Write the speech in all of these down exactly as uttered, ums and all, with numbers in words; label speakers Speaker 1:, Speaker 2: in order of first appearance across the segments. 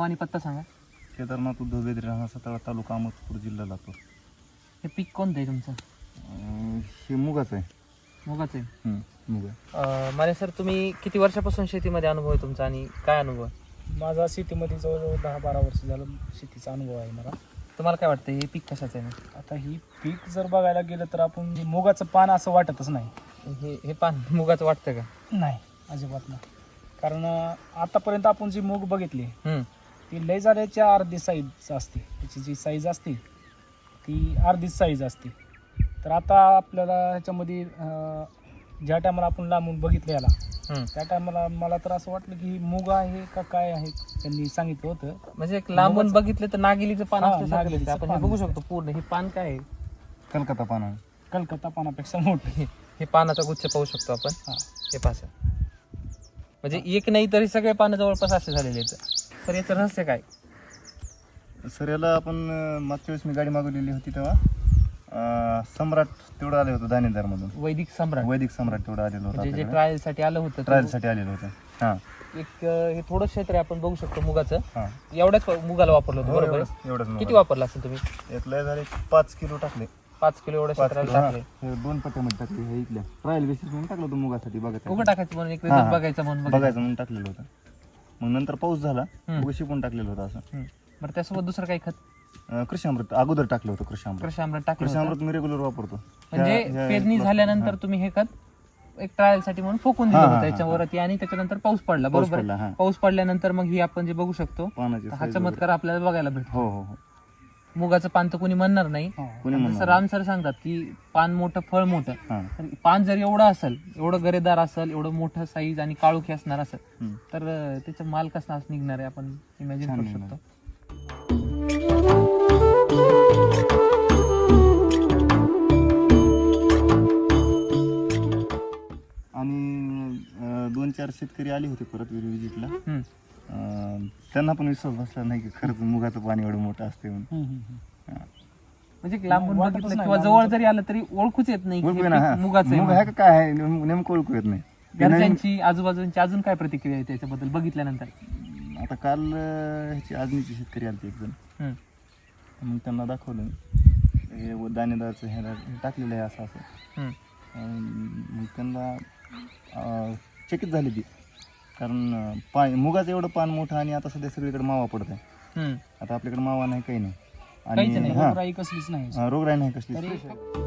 Speaker 1: नाव आणि पत्ता सांगा.
Speaker 2: केदारनाथ उद्धव बेदरे, राहणार सातारा, तालुका अहमदपूर, जिल्हा लातूर.
Speaker 1: हे पीक कोणतं आहे तुमचं?
Speaker 2: अं, हे मुगाचं आहे.
Speaker 1: मुगाचं आहे.
Speaker 2: हं, मुग आहे.
Speaker 1: माले सर, तुम्ही किती वर्षापासून शेतीमध्ये अनुभव आहे तुमचा आणि काय अनुभव आहे?
Speaker 3: माझा शेतीमध्ये जवळजवळ दहा बारा वर्ष झालं शेतीचा अनुभव आहे मला.
Speaker 1: तुम्हाला काय वाटतं हे पीक कशाचं आहे ना?
Speaker 3: आता ही पीक जर बघायला गेलं तर आपण हे मुगाचं पान असं वाटतच नाही.
Speaker 1: हे हे पान मुगाचं वाटतं का?
Speaker 3: नाही, अजिबात नाही. कारण अं, आतापर्यंत आपण जी मूग बघितली
Speaker 1: हम्म.
Speaker 3: ती लय झाल्याच्या अर्धी साईज असते. त्याची जी साईज असते ती अर्धीच साईज असते. तर आता आपल्याला ह्याच्यामध्ये अं, ज्या टायमाला आपण लांबून बघितलं याला
Speaker 1: हम्म.
Speaker 3: त्या टायमाला मला तर असं वाटलं की ही मूग आहे का काय आहे. त्यांनी सांगितलं होतं
Speaker 1: म्हणजे एक लांबून
Speaker 3: मुगाचं-
Speaker 1: बघितलं तर नागिलीचं पान
Speaker 3: हा,
Speaker 1: असल्यासारखं
Speaker 3: नागिलीचं
Speaker 1: दिसतं. आपण हे
Speaker 3: पान
Speaker 1: बघू
Speaker 3: दिसतं.
Speaker 1: शकतो पूर्ण. हे पान काय आहे?
Speaker 2: कलकत्ता पान आहे.
Speaker 3: कलकत्ता पानापेक्षा मोठं.
Speaker 1: हे हे पानाचा गुच्छ पाहू शकतो आपण.
Speaker 3: हा.
Speaker 1: हे पास म्हणजे एक नाही तरी सगळे पानं जवळपास असे झालेले आहेत. तर याचं रहस्य काय?
Speaker 2: सर याला आपण अं, मागच्या वेळेस मी गाडी मागवलेली होती तेव्हा अं, सम्राट तेवढं आलं होतं दाणेदारमधून.
Speaker 1: वैदिक सम्राट
Speaker 2: वैदिक सम्राट तेवढं आलेलं
Speaker 1: म्हणजे जे
Speaker 2: होतं
Speaker 1: ट्रायल साठी आलं होतं ते
Speaker 2: ट्रायलसाठी आलेलं होतं. हां
Speaker 1: एक अं, हे थोडं क्षेत्र आहे आपण बघू शकतो मुगाचं.
Speaker 2: हां
Speaker 1: एवढ्याच मुगाला वापरलं होतं बरोबर आहे?
Speaker 2: एवढंच एवढंच
Speaker 1: किती
Speaker 2: मुग.
Speaker 1: वापरलं असेल तुम्ही?
Speaker 2: यातलं झाले पाच किलो टाकले.
Speaker 1: पाच किलो एवढ्या
Speaker 2: पाच
Speaker 1: क्षेत्राला
Speaker 2: किलो हां.
Speaker 1: टाकले.
Speaker 2: हे दोन पट्ट्यामध्ये टाकले. हे इथल्या ट्रायल बेसिस म्हणून टाकलं होतं मुगासाठी बघायचं
Speaker 1: उघड टाकायचं म्हणून एक
Speaker 2: हां,
Speaker 1: result
Speaker 2: हां.
Speaker 1: बघायचं म्हणून बघायचं.
Speaker 2: बघायचं म्हणून टाकलेलं होतं. मग नंतर पाऊस झाला
Speaker 1: हम्म.
Speaker 2: उगा शिकून टाकलेलं होतं असं.
Speaker 1: हम्म. बरं त्यासोबत दुसरं काही खत?
Speaker 2: अं, कृषी अमृत अगोदर टाकलं होतं. कृषी अमृत
Speaker 1: कृषी आम्रात टाकलं
Speaker 2: कृषी
Speaker 1: होतं.
Speaker 2: अमृत मी रेग्युलर वापरतो.
Speaker 1: म्हणजे
Speaker 2: ह्या- ह्या-
Speaker 1: पेरणी
Speaker 2: हां.
Speaker 1: झाल्यानंतर तुम्ही हे खत एक ट्रायल साठी म्हणून फोकून दिलं
Speaker 2: हां,
Speaker 1: होतं
Speaker 2: हां,
Speaker 1: त्याच्यावरती आणि त्याच्यानंतर पाऊस पडला
Speaker 2: पाऊस
Speaker 1: बरोबर
Speaker 2: पडला,
Speaker 1: आहे?
Speaker 2: हां.
Speaker 1: पाऊस पडल्यानंतर मग ही आपण जे बघू शकतो
Speaker 2: पानाची
Speaker 1: हा
Speaker 2: size
Speaker 1: चमत्कार आपल्याला बघायला भेटतो.
Speaker 2: वगैरे. हो हो हो
Speaker 1: मुगाचं पान तर कोणी म्हणणार नाही.
Speaker 3: हो.
Speaker 2: कोणी
Speaker 1: जसं
Speaker 2: म्हणणार
Speaker 1: राम सर सांगतात की पान मोठं फळ मोठं.
Speaker 2: हां.
Speaker 1: तर पान जर एवढं असेल, एवढं गरेदार असेल, एवढं मोठं साईज आणि काळोखी असणार असेल
Speaker 2: हम्म.
Speaker 1: तर अं, त्याचा माल कसा निघणार आहे आपण इमॅजिन
Speaker 2: छान
Speaker 1: करू
Speaker 2: निघणार.
Speaker 1: शकतो.
Speaker 2: आणि अं, दोन चार शेतकरी आले होते परत विजिटला.
Speaker 1: हम्म.
Speaker 2: अं, त्यांना पण विश्वास बसला नाही की खरंच मुगाचं पाणी एवढं मोठं असते म्हणून.
Speaker 3: हम्म, हम्म, हम्म.
Speaker 1: म्हणजे लांबून
Speaker 3: वाटतच
Speaker 1: बघितलं
Speaker 3: नाही,
Speaker 1: किंवा
Speaker 3: लांबून
Speaker 1: जवळ जरी आलं तरी ओळखूच येत नाही की
Speaker 2: ओळखू
Speaker 1: हे
Speaker 2: ना,
Speaker 1: पीक
Speaker 2: हा.
Speaker 1: मुगाचं आहे
Speaker 2: मुग
Speaker 1: म्हणून.
Speaker 2: आहे का काय आहे नेम- नेमकं ओळखू येत नाही. ते नवीन-
Speaker 1: घरच्यांची आजूबाजूंची अजून काय प्रतिक्रिया आहे त्याच्याबद्दल बघितल्यानंतर?
Speaker 2: आता काल अं, ह्याची आजनीची शेतकरी आलते एक जण.
Speaker 1: हम्म.
Speaker 2: मग त्यांना दाखवलं हे व दाणेदारचं ह्याला हे टाकलेलं आहे असं असं.
Speaker 1: हम्म.
Speaker 2: अं, मग त्यांना अं, चकित झाली ती. कारण अं, पान मुगाचं एवढं पान मोठं आणि आता सध्या सगळीकडे मावा पडत आहे.
Speaker 1: हम्म.
Speaker 2: आता आपल्याकडे मावा नाही काही नाही.
Speaker 1: काहीच नाही,
Speaker 2: हां,
Speaker 3: रोगराई कसलीच नाही.
Speaker 2: हां, रोगराई नाही कसली.
Speaker 3: तरी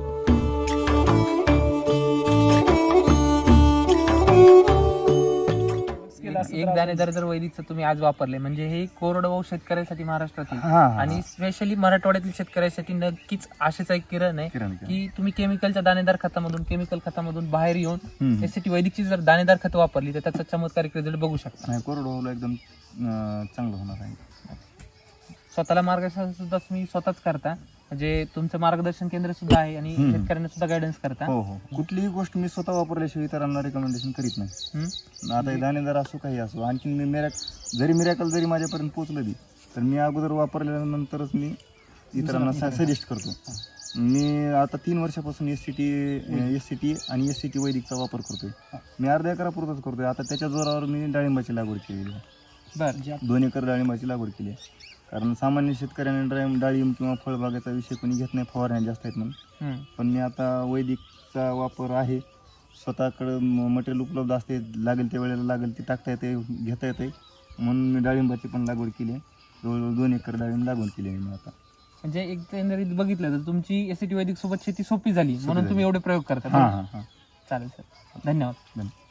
Speaker 3: केलं असतं
Speaker 1: एक
Speaker 3: तर
Speaker 1: दाणेदार जर वैदिकचं तुम्ही आज वापरले म्हणजे हे कोरडवाहू शेतकऱ्यासाठी महाराष्ट्रातील
Speaker 2: हां, हां,
Speaker 1: आणि स्पेशली मराठवाड्यातील शेतकऱ्यासाठी नक्कीच आशेचा एक किरण आहे
Speaker 2: किरण किरण.
Speaker 1: की तुम्ही केमिकलच्या दाणेदार खतामधून केमिकल खतामधून बाहेर येऊन
Speaker 2: हम्म.
Speaker 1: त्यासाठी वैदिकची जर दाणेदार खतं वापरली तर त्याचा चमत्कारिक रिझल्ट बघू शकता.
Speaker 2: नाही कोरडवाहूला एकदम अं, चांगलं होणार आहे.
Speaker 1: स्वतःला मार्गदर्शन सुद्धा तुम्ही स्वतःच करता म्हणजे तुमचं मार्गदर्शन केंद्र सुद्धा आहे आणि
Speaker 2: हम्म.
Speaker 1: शेतकऱ्यांना सुद्धा गायडन्स करता.
Speaker 2: हो हो कुठलीही गोष्ट मी स्वतः वापरल्याशिवाय इतरांना रेकमेंडेशन करीत नाही.
Speaker 1: हम्म.
Speaker 2: आता हे दाणेदार असो काही असो आणखी मी मिरॅक जरी मिरॅकल जरी माझ्यापर्यंत पोहोचलं बी तर मी अगोदर वापरल्यानंतरच मी इतरांना सजेस्ट करतो. मी आता तीन वर्षापासून S C T S C T आणि एस सी टी वैदिकचा वापर करतोय. मी अर्ध्या एकरापुरतच करतोय. आता त्याच्या जोरावर मी डाळिंबाची लागवड केलेली आहे.
Speaker 1: बरं.
Speaker 3: जे
Speaker 2: दोन एकर डाळिंबाची लागवड केली आहे. कारण सामान्य शेतकऱ्याने डाळिंब डाळिंब किंवा फळबागाचा विषय कोणी घेत नाही, फवारण्या जास्त आहेत म्हणून.
Speaker 1: हम्म.
Speaker 2: पण मी आता वैदिकचा वापर आहे. स्वतःकडं मटेरियल उपलब्ध असते, लागेल त्या वेळेला लागेल ते टाकता येते, घेता येते म्हणून मी डाळिंबाची पण लागवड केली आहे. जवळजवळ दोन एकर डाळिंब लागवड केली आहे मी आता.
Speaker 1: म्हणजे एकंदरीत बघितलं तर तुमची एस टी वैदिक सोबत शेती सोपी झाली म्हणून
Speaker 2: झाली.
Speaker 1: तुम्ही एवढे प्रयोग करता.
Speaker 2: हां हां हां
Speaker 1: चालेल सर, धन्यवाद.
Speaker 2: धन्यवाद.